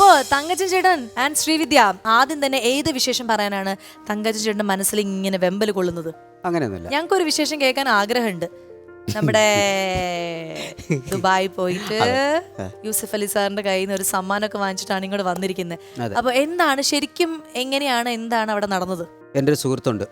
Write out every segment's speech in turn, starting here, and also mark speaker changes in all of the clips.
Speaker 1: അപ്പോ തങ്കച്ചൻ ചേട്ടൻ ആൻഡ് ശ്രീവിദ്യ, ആദ്യം തന്നെ ഏത് വിശേഷം പറയാനാണ് തങ്കച്ചൻ ചേട്ടന്റെ മനസ്സിൽ ഇങ്ങനെ വെമ്പൽ കൊള്ളുന്നത്?
Speaker 2: അങ്ങനെയൊന്നുമില്ല.
Speaker 1: ഞങ്ങൾക്കൊരു വിശേഷം കേൾക്കാൻ ആഗ്രഹമുണ്ട്. നമ്മുടെ ദുബായി പോയിട്ട് യൂസഫ് അലി സാറിന്റെ കയ്യിൽ നിന്ന് ഒരു സമ്മാനമൊക്കെ വാങ്ങിച്ചിട്ടാണ് ഇങ്ങോട്ട് വന്നിരിക്കുന്നത്. അപ്പൊ എന്താണ് ശരിക്കും, എങ്ങനെയാണ്, എന്താണ് അവിടെ നടന്നത്?
Speaker 2: എൻ്റെ ഒരു സുഹൃത്തുണ്ട്,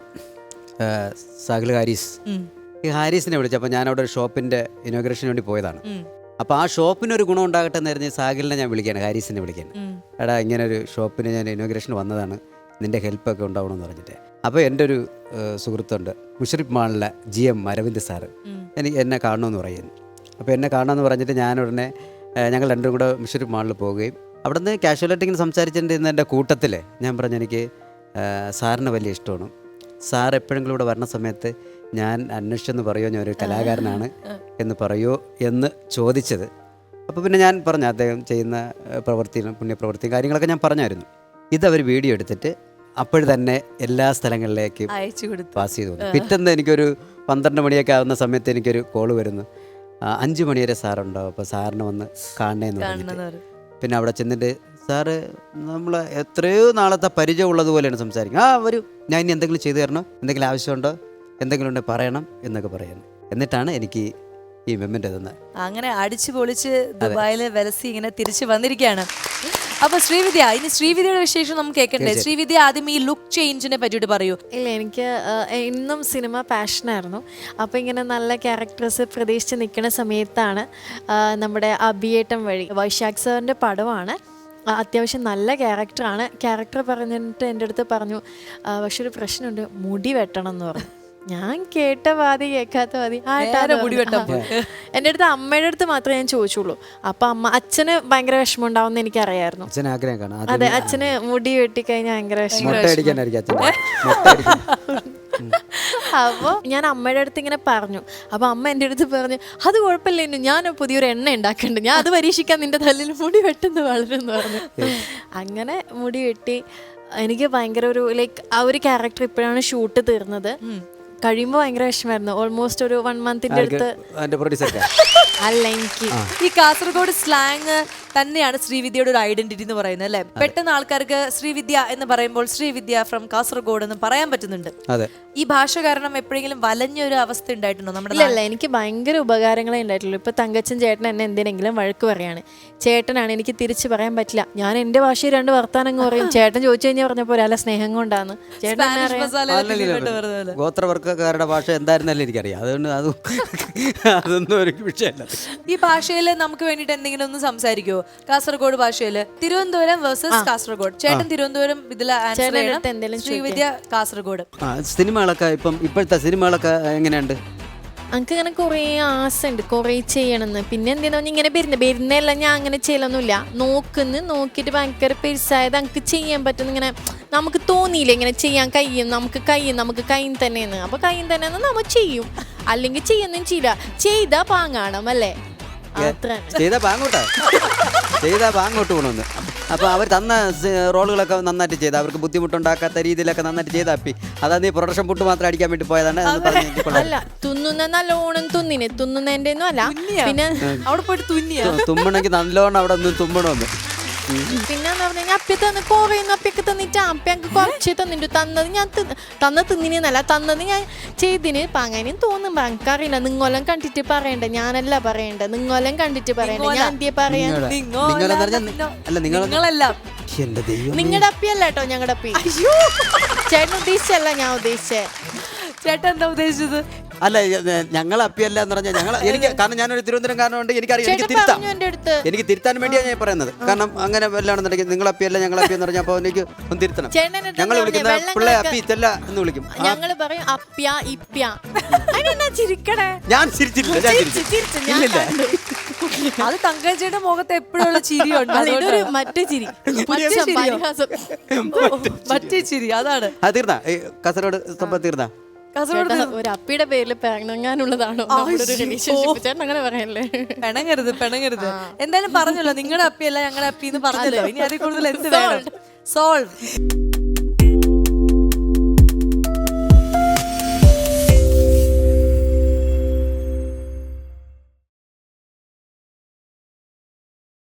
Speaker 2: സാഹിൽ ഹാരിസ്. ഈ ഹാരിസിനെ വിളിച്ചപ്പോൾ ഞാൻ അവിടെ ഒരു ഷോപ്പിൻ്റെ ഇനോഗ്രേഷന് വേണ്ടി പോയതാണ്. അപ്പോൾ ആ ഷോപ്പിനൊരു ഗുണം ഉണ്ടാകട്ടെ എന്ന് പറഞ്ഞ് സാഹിലിനെ ഞാൻ വിളിക്കുകയാണ്, ഹാരിസിനെ വിളിക്കുകയാണ്. എടാ, ഇങ്ങനെ ഒരു ഷോപ്പിന് ഞാൻ ഇനോഗ്രേഷൻ വന്നതാണ്, നിൻ്റെ ഹെൽപ്പൊക്കെ ഉണ്ടാവണമെന്ന് പറഞ്ഞിട്ട്. അപ്പോൾ എൻ്റെ ഒരു സുഹൃത്തുണ്ട്, മുഷറിഫ് മാളിലെ GM അരവിന്ദ് സാറ്, എന്നെ കാണണമെന്ന് പറയുന്നു. അപ്പോൾ എന്നെ കാണണമെന്ന് പറഞ്ഞിട്ട് ഞാൻ ഉടനെ ഞങ്ങൾ രണ്ടും കൂടെ മുഷറിഫ് മാളിൽ പോവുകയും അവിടെ നിന്ന് കാഷ്വലായിട്ട് ഇങ്ങനെ സംസാരിച്ചിട്ടുണ്ടെന്ന് എൻ്റെ കൂട്ടത്തിൽ ഞാൻ പറഞ്ഞു, എനിക്ക് സാറിന് വലിയ ഇഷ്ടമാണ്, സാർ എപ്പോഴെങ്കിലും ഇവിടെ വരണ സമയത്ത് ഞാൻ അന്വേഷിച്ചെന്ന് പറയുമോ, ഞാൻ ഒരു കലാകാരനാണ് എന്ന് പറയുമോ എന്ന് ചോദിച്ചത്. അപ്പോൾ പിന്നെ ഞാൻ പറഞ്ഞു അദ്ദേഹം ചെയ്യുന്ന പ്രവൃത്തിയും പുണ്യപ്രവൃത്തിയും കാര്യങ്ങളൊക്കെ ഞാൻ പറഞ്ഞായിരുന്നു. ഇതവർ വീഡിയോ എടുത്തിട്ട് അപ്പോൾ തന്നെ എല്ലാ സ്ഥലങ്ങളിലേക്കും പാസ് ചെയ്തു വന്നു. പിറ്റേന്ന് എനിക്കൊരു 12 മണിയൊക്കെ ആവുന്ന സമയത്ത് എനിക്കൊരു കോള് വരുന്നു, 5 മണി വരെ സാറുണ്ടാവും, അപ്പോൾ സാറിനെ വന്ന് കാണണേന്ന് പറഞ്ഞിട്ട്. പിന്നെ അവിടെ ചെന്നിട്ട് സാറ് നമ്മൾ എത്രയോ നാളത്തെ പരിചയം ഉള്ളതുപോലെയാണ് സംസാരിക്കുന്നത്. വരും, ഞാൻ ഇനി എന്തെങ്കിലും ചെയ്തു തരണോ, എന്തെങ്കിലും ആവശ്യമുണ്ടോ, എന്തെങ്കിലും ഉണ്ടെങ്കിൽ പറയണം എന്നൊക്കെ പറയുന്നു. എന്നിട്ടാണ് എനിക്ക് ഈ മെമ്മൻ്റ് തന്നത്.
Speaker 1: അങ്ങനെ അടിച്ചു പൊളിച്ച് ദുബായിൽ വെലസി ഇങ്ങനെ തിരിച്ചു വന്നിരിക്കുകയാണ്. അപ്പൊ ശ്രീവിദ്യ, ഇനി ശ്രീവിദ്യയുടെ വിശേഷം നമുക്ക് കേൾക്കണ്ടേ? ശ്രീവിദ്യ, ആദ്യം ഈ ലുക്ക് ചേഞ്ചിനെ പറ്റിയിട്ട് പറയൂ.
Speaker 3: ഇല്ല, എനിക്ക് ഇന്നും സിനിമ പാഷനായിരുന്നു. അപ്പോൾ ഇങ്ങനെ നല്ല ക്യാരക്ടേഴ്സ് പ്രതീക്ഷിച്ച് നിൽക്കുന്ന സമയത്താണ് നമ്മുടെ അഭിയേട്ടം വഴി, വൈശാഖ് സാറിൻ്റെ പടമാണ്, അത്യാവശ്യം നല്ല ക്യാരക്ടറാണ്. ക്യാരക്ടർ പറഞ്ഞിട്ട് എൻ്റെ അടുത്ത് പറഞ്ഞു, പക്ഷെ ഒരു പ്രശ്നമുണ്ട്, മുടി വെട്ടണം എന്ന് പറഞ്ഞു. ഞാൻ കേട്ട പാതി കേൾക്കാത്ത പാതി
Speaker 1: മുടി വെട്ടാൻ
Speaker 3: എൻ്റെ അടുത്ത് അമ്മയുടെ അടുത്ത് മാത്രമേ ഞാൻ ചോദിച്ചുള്ളൂ. അപ്പം അച്ഛന് ഭയങ്കര വിഷമം ഉണ്ടാവും എനിക്കറിയായിരുന്നു. അതെ, അച്ഛന് മുടി വെട്ടിക്കഴിഞ്ഞാൽ ഭയങ്കര വിഷമം. അപ്പോൾ ഞാൻ അമ്മയുടെ അടുത്ത് ഇങ്ങനെ പറഞ്ഞു. അപ്പോൾ അമ്മ എൻ്റെ അടുത്ത് പറഞ്ഞു, അത് കുഴപ്പമില്ല, ഞാൻ പുതിയൊരു എണ്ണ ഉണ്ടാക്കുന്നുണ്ട്, ഞാൻ അത് പരീക്ഷിക്കാൻ നിന്റെ തല്ലിൽ മുടി വെട്ടുന്നത് വളരെന്ന് പറഞ്ഞു. അങ്ങനെ മുടി വെട്ടി എനിക്ക് ഭയങ്കര ഒരു ആ ഒരു ക്യാരക്ടർ ഇപ്പോഴാണ് ഷൂട്ട് തീർന്നത്. കഴിയുമ്പോൾ ഭയങ്കര വിഷമായിരുന്നു. ഓൾമോസ്റ്റ് ഒരു 1 മന്തിന്റെ അടുത്ത്. അല്ല, എനിക്ക്
Speaker 1: ഈ കാസർഗോഡ് സ്ലാങ് തന്നെയാണ് ശ്രീവിദ്യയുടെ ഒരു ഐഡന്റിറ്റി എന്ന് പറയുന്നത്, അല്ലെ? പെട്ടെന്ന് ആൾക്കാർക്ക് ശ്രീവിദ്യ എന്ന് പറയുമ്പോൾ ശ്രീവിദ്യ ഫ്രം കാസർഗോഡ് എന്ന് പറയാൻ പറ്റുന്നുണ്ട്. ഈ ഭാഷ കാരണം എപ്പോഴെങ്കിലും വലഞ്ഞൊരു അവസ്ഥ ഉണ്ടായിട്ടുണ്ടോ നമ്മുടെ?
Speaker 3: ഇല്ല, എനിക്ക് ഭയങ്കര ഉപകാരങ്ങളെ ഉണ്ടായിട്ടുള്ളൂ. ഇപ്പൊ തങ്കച്ചൻ ചേട്ടൻ എന്നെ എന്തിനെങ്കിലും വഴക്ക് പറയാണ്, ചേട്ടനാണ്, എനിക്ക് തിരിച്ചു പറയാൻ പറ്റില്ല, ഞാൻ എന്റെ ഭാഷയിൽ 2 വർത്താനം പറയും. ചേട്ടൻ ചോദിച്ചു കഴിഞ്ഞാൽ പറഞ്ഞപ്പോ ഒരാളെ സ്നേഹം കൊണ്ടാണ്. ചേട്ടൻ
Speaker 2: ഗോത്രവർഗ്ഗക്കാരുടെ ഭാഷ എന്തായിരുന്നല്ലേ എനിക്കറിയാം, അതുകൊണ്ട് അതൊന്നും ഒരു വിഷയമല്ല.
Speaker 1: ഈ ഭാഷയിൽ നമുക്ക് വേണ്ടിട്ട് എന്തെങ്കിലും ഒന്ന് സംസാരിക്കുമോ? കാസർഗോഡ് ഭാഷയില് തിരുവനന്തപുരം വേഴ്സസ് കാസർഗോഡ്. ചേട്ടൻ തിരുവനന്തപുരം, ഇതിലെ ശ്രീവിദ്യ കാസർഗോഡ്.
Speaker 2: സിനിമകളൊക്കെ ഇപ്പോഴത്തെ സിനിമകളൊക്കെ എങ്ങനെയുണ്ട്?
Speaker 3: എനിക്ക് ഇങ്ങനെ കുറേ ആശയുണ്ട്, കുറേ ചെയ്യണമെന്ന്. പിന്നെ എന്തിനാ ഇങ്ങനെ വരുന്നതെല്ലാം ഞാൻ അങ്ങനെ ചെയ്യലൊന്നുമില്ല. നോക്കിയിട്ട് ഭയങ്കര പെരുസായത് എനിക്ക് ചെയ്യാൻ പറ്റുന്ന ഇങ്ങനെ നമുക്ക് തോന്നിയില്ല, ഇങ്ങനെ ചെയ്യാൻ കഴിയും, നമുക്ക് കയ്യും തന്നെയെന്ന്. അപ്പോൾ കയ്യും തന്നെയെന്ന് നമ്മൾ ചെയ്യും, അല്ലെങ്കിൽ ചെയ്യുന്നതും ചെയ്യില്ല. ചെയ്താൽ പാങ്ങാണം, അല്ലേ?
Speaker 2: ചെയ്താ പാങ്ങോട്ട് പോകണമെന്ന്. അപ്പോൾ അവർ തന്ന റോളുകളൊക്കെ നന്നായിട്ട് ചെയ്ത്, അവർക്ക് ബുദ്ധിമുട്ടുണ്ടാക്കാത്ത രീതിയിലൊക്കെ നന്നായിട്ട് ചെയ്താപ്പി. അതാ നീ പ്രൊഡക്ഷൻ പുട്ട് മാത്രം അടിക്കാൻ വേണ്ടി പോയതാണ്.
Speaker 3: അല്ല, തുന്നുന്ന നല്ലോണം തുന്നുന്നതിന്റെ ഒന്നും അല്ല. പിന്നെ
Speaker 1: അവിടെ പോയിട്ട്
Speaker 2: തുമ്മണമെങ്കിൽ നല്ലോണം അവിടെ നിന്ന് തുമ്മണമെന്ന്.
Speaker 3: പിന്നെന്ന് പറഞ്ഞു കഴിഞ്ഞാൽ അപ്പി തന്ന് കുറയുന്നു, അപ്പിയൊക്കെ തന്നിട്ട് അപ്പി ഞങ്ങൾക്ക് കുറച്ച് തന്നിട്ടു. തിന്നിനെന്നല്ല തന്നത് ഞാൻ ചെയ്തിന് പാങ്ങാനും തോന്നും. എനിക്കറിയില്ല, നിങ്ങളെല്ലാം കണ്ടിട്ട് പറയണ്ട, ഞാനല്ല പറയണ്ട, നിങ്ങളെല്ലാം കണ്ടിട്ട് പറയണ്ട. ഞാൻ എന്തിയെ പറയാ? നിങ്ങളുടെ അപ്പിയല്ല കേട്ടോ, ഞങ്ങളുടെ അപ്പി. ചേട്ടൻ ഉദ്ദേശിച്ചല്ല ഞാൻ ഉദ്ദേശിച്ചേ.
Speaker 1: ചേട്ടൻ എന്താ ഉദ്ദേശിച്ചത്?
Speaker 2: അല്ല, ഞങ്ങൾ അപ്പിയല്ല എന്ന് പറഞ്ഞാൽ എനിക്ക്, കാരണം ഞാനൊരു തിരുവനന്തപുരംകാരനുണ്ട്, എനിക്കറിയാം, എനിക്ക് തിരുത്താൻ വേണ്ടിയാണ് ഞാൻ പറയുന്നത്. കാരണം അങ്ങനെ വല്ലാണെന്നുണ്ടെങ്കിൽ നിങ്ങൾ അപ്പിയല്ല ഞങ്ങൾ അപ്പിയെന്ന് പറഞ്ഞാൽ അപ്പോൾ എനിക്ക് ഒന്ന് തിരുത്തണം. ഞങ്ങൾ വിളിക്കുന്ന പിള്ളേ അപ്പി ഇത്തല്ല എന്ന് വിളിക്കും.
Speaker 3: ഞങ്ങൾ പറയും അപ്പ്യ ഇപ്പ്യ. ചിരിക്കണേ?
Speaker 2: ഞാൻ ചിരിച്ചില്ല.
Speaker 1: അത് തങ്കച്ചിയുടെ മുഖത്ത് എപ്പോഴുള്ള ചിരിയുണ്ട്,
Speaker 3: മറ്റേ ചിരി,
Speaker 1: മറ്റേ ചിരി. അതാണ്.
Speaker 2: തീർന്നാ കാസർഗോഡ് സംഭവം തീർന്നാ?
Speaker 3: ഒരു അപ്പിയുടെ പേരിൽ പിണങ്ങാനുള്ളതാണോ അങ്ങനെ പറയല്ലേ?
Speaker 1: പിണങ്ങരുത്. എന്തായാലും പറഞ്ഞല്ലോ, നിങ്ങളുടെ അപ്പിയല്ല ഞങ്ങളുടെ അപ്പി എന്ന് പറഞ്ഞല്ലോ. ഇനി അതിൽ കൂടുതൽ എന്ത് വേണം? സോൾവ്.